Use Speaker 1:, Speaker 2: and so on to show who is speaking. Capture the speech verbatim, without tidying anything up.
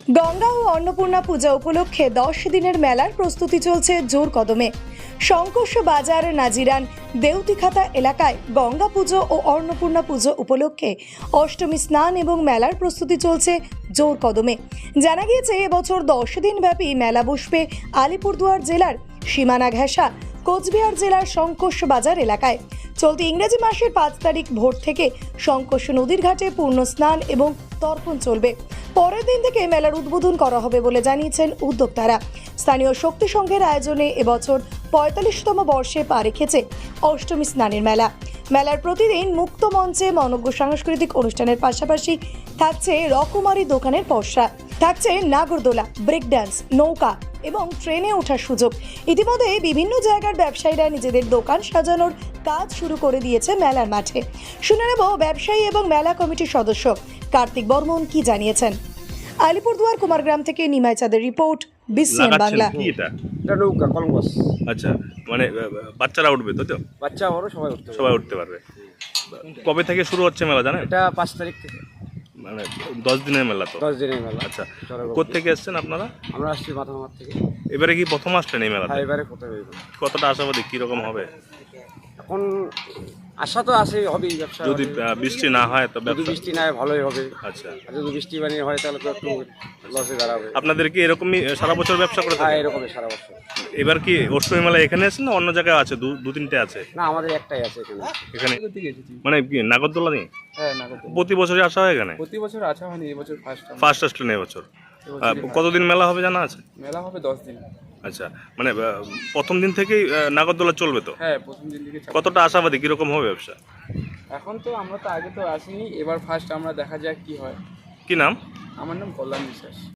Speaker 1: গঙ্গা ও অন্নপূর্ণা পূজা উপলক্ষে দশ দিনের মেলার প্রস্তুতি চলছে জোর কদমে। শঙ্কর্ষ বাজার নাজিরান দেউতিখাতা এলাকায় গঙ্গা পুজো ও অন্নপূর্ণা পুজো উপলক্ষে অষ্টমী স্নান এবং মেলার প্রস্তুতি চলছে জোর কদমে। জানা গিয়েছে এবছর দশ দিন ব্যাপী মেলা বসবে আলিপুরদুয়ার জেলার সীমানা ঘেঁষা কোচবিহার জেলার শঙ্কর্ষ বাজার এলাকায়। চলতি ইংরেজি মাসের পাঁচ তারিখ ভোর থেকে শঙ্কর্ষ নদীর ঘাটে পূর্ণ স্নান এবং তর্পণ চলবে। পরের দিন থেকে মেলার উদ্বোধন করা হবে বলে জানিয়েছেন উদ্যোক্তারা। স্থানীয় শক্তি সংঘের আয়োজনে এবছর পঁয়তাল্লিশতম বর্ষে পা রেখেছে অষ্টমী স্নানের মেলা। মেলার প্রতিদিন মুক্ত মঞ্চে মনোজ্ঞ সাংস্কৃতিক অনুষ্ঠানের পাশাপাশি থাকছে রকমারি দোকানের পসরা, থাকছে নাগরদোলা, ব্রেক ডান্স, নৌকা এবং ট্রেনে ওঠার সুযোগ। ইতিমধ্যে বিভিন্ন জায়গার ব্যবসায়ীরা নিজেদের দোকান সাজানোর কাজ শুরু করে দিয়েছে মেলার মাঠে। শুনে নেব ব্যবসায়ী এবং মেলা কমিটির সদস্য কার্তিক বর্মন কি জানিয়েছেন। আলিপুরদুয়ার কুমারগ্রাম থেকে নিমাই চাঁদের রিপোর্ট, বিসিএন বাংলা।
Speaker 2: কি এটা?
Speaker 3: এটা নৌকা কলম্বাস।
Speaker 2: আচ্ছা, মানে আহ, বাচ্চারা উঠবে তো? তো
Speaker 3: বাচ্চা বড় সবাই উঠতে পারে।
Speaker 2: সবাই উঠতে পারবে। কবে থেকে শুরু হচ্ছে মেলা জানেন?
Speaker 3: এটা পাঁচ তারিখ থেকে
Speaker 2: মানে দশ দিনের মেলা তো।
Speaker 3: দশ দিনের মেলা।
Speaker 2: আচ্ছা,
Speaker 3: চড়ক
Speaker 2: কোত্থেকে এসছেন আপনারা?
Speaker 3: আমরা আসছি মাথামার থেকে।
Speaker 2: এবারে কি প্রথম আসলেন এই মেলাতে?
Speaker 3: হ্যাঁ, এবারে কোথায় হইব?
Speaker 2: কতটা আশাবাদী, কিরকম হবে?
Speaker 3: এখন আশা তো আছে হবেই, ব্যবসা
Speaker 2: যদি
Speaker 3: হবে।
Speaker 2: আহ, বৃষ্টি না হয় তো
Speaker 3: যদি
Speaker 2: ব্যবসা।
Speaker 3: বৃষ্টি না হয় ভালোই হবে,
Speaker 2: আচ্ছা,
Speaker 3: আর যদি বৃষ্টি বানিয়ে হয় তাহলে তো একটু লসে দাঁড়াবে।
Speaker 2: আপনাদের কি এরকমই সারা বছর ব্যবসা করে
Speaker 3: হ্যাঁ,
Speaker 2: থাকেন?
Speaker 3: এরকমই সারা বছর।
Speaker 2: এবার কি অষ্টমী মেলা এখানে আছেন না অন্য জায়গায় আছে? দু দু তিনটে আছে
Speaker 3: না, আমাদের একটাই আছে এখানে।
Speaker 2: এখানে। মানে কি নাগরদোলা নেই?
Speaker 4: হ্যাঁ, নাগরদোলা
Speaker 2: প্রতি বছরই আসা হয় এখানে?
Speaker 4: প্রতি বছর আসা হয়নি, এবছর ফার্স্ট
Speaker 2: ফার্স্ট আসলেন এবছর। আহ, কতদিন মেলা হবে জানা আছে?
Speaker 4: মেলা হবে দশ দিন।
Speaker 2: আচ্ছা, মানে আহ, প্রথম দিন থেকেই আহ, নাগরদোলা চলবে তো?
Speaker 4: হ্যাঁ, প্রথম দিন থেকে চালু।
Speaker 2: কতটা আশাবাদী, কিরকম হবে ব্যবসা?
Speaker 4: এখন তো আমরা তো আগে তো আসিনি, এবার ফার্স্ট আমরা দেখা যাক কি হয়।
Speaker 2: কি নাম?
Speaker 4: আমার নাম কল্যাণ বিশ্বাস।